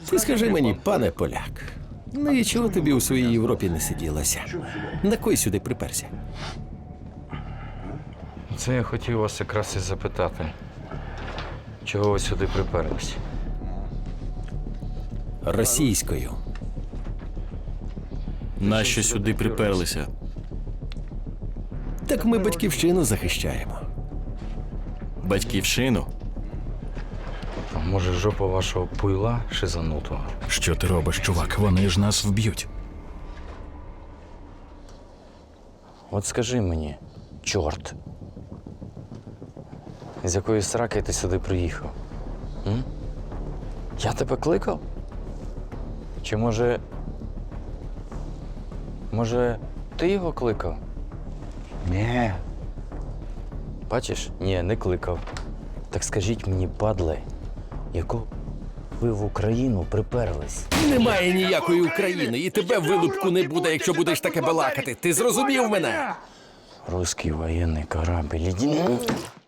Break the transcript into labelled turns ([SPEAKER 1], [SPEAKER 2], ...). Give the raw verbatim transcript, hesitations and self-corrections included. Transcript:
[SPEAKER 1] Ти скажи мені, пане поляк, ну і чого тобі у своїй Європі не сиділося? На кой сюди приперся?
[SPEAKER 2] Це я хотів вас якраз і запитати. Чого ви сюди приперлись?
[SPEAKER 1] Російською.
[SPEAKER 3] Нащо сюди приперлися?
[SPEAKER 1] Так ми батьківщину захищаємо.
[SPEAKER 3] Батьківщину?
[SPEAKER 2] А може, жопа вашого пуйла шизанутого?
[SPEAKER 4] Що ти робиш, чувак? Вони ж нас вб'ють.
[SPEAKER 2] От скажи мені, чорт, з якої сраки ти сюди приїхав? М? Я тебе кликав? Чи може. Може, ти його кликав? Ні. Бачиш? Ні, не кликав. Так скажіть мені, падле, яку ви в Україну приперлись?
[SPEAKER 1] Немає ніякої України, і тебе вилупку не буде, якщо будеш таке балакати. Ти зрозумів мене?
[SPEAKER 2] Русський воєнний корабль. Іди...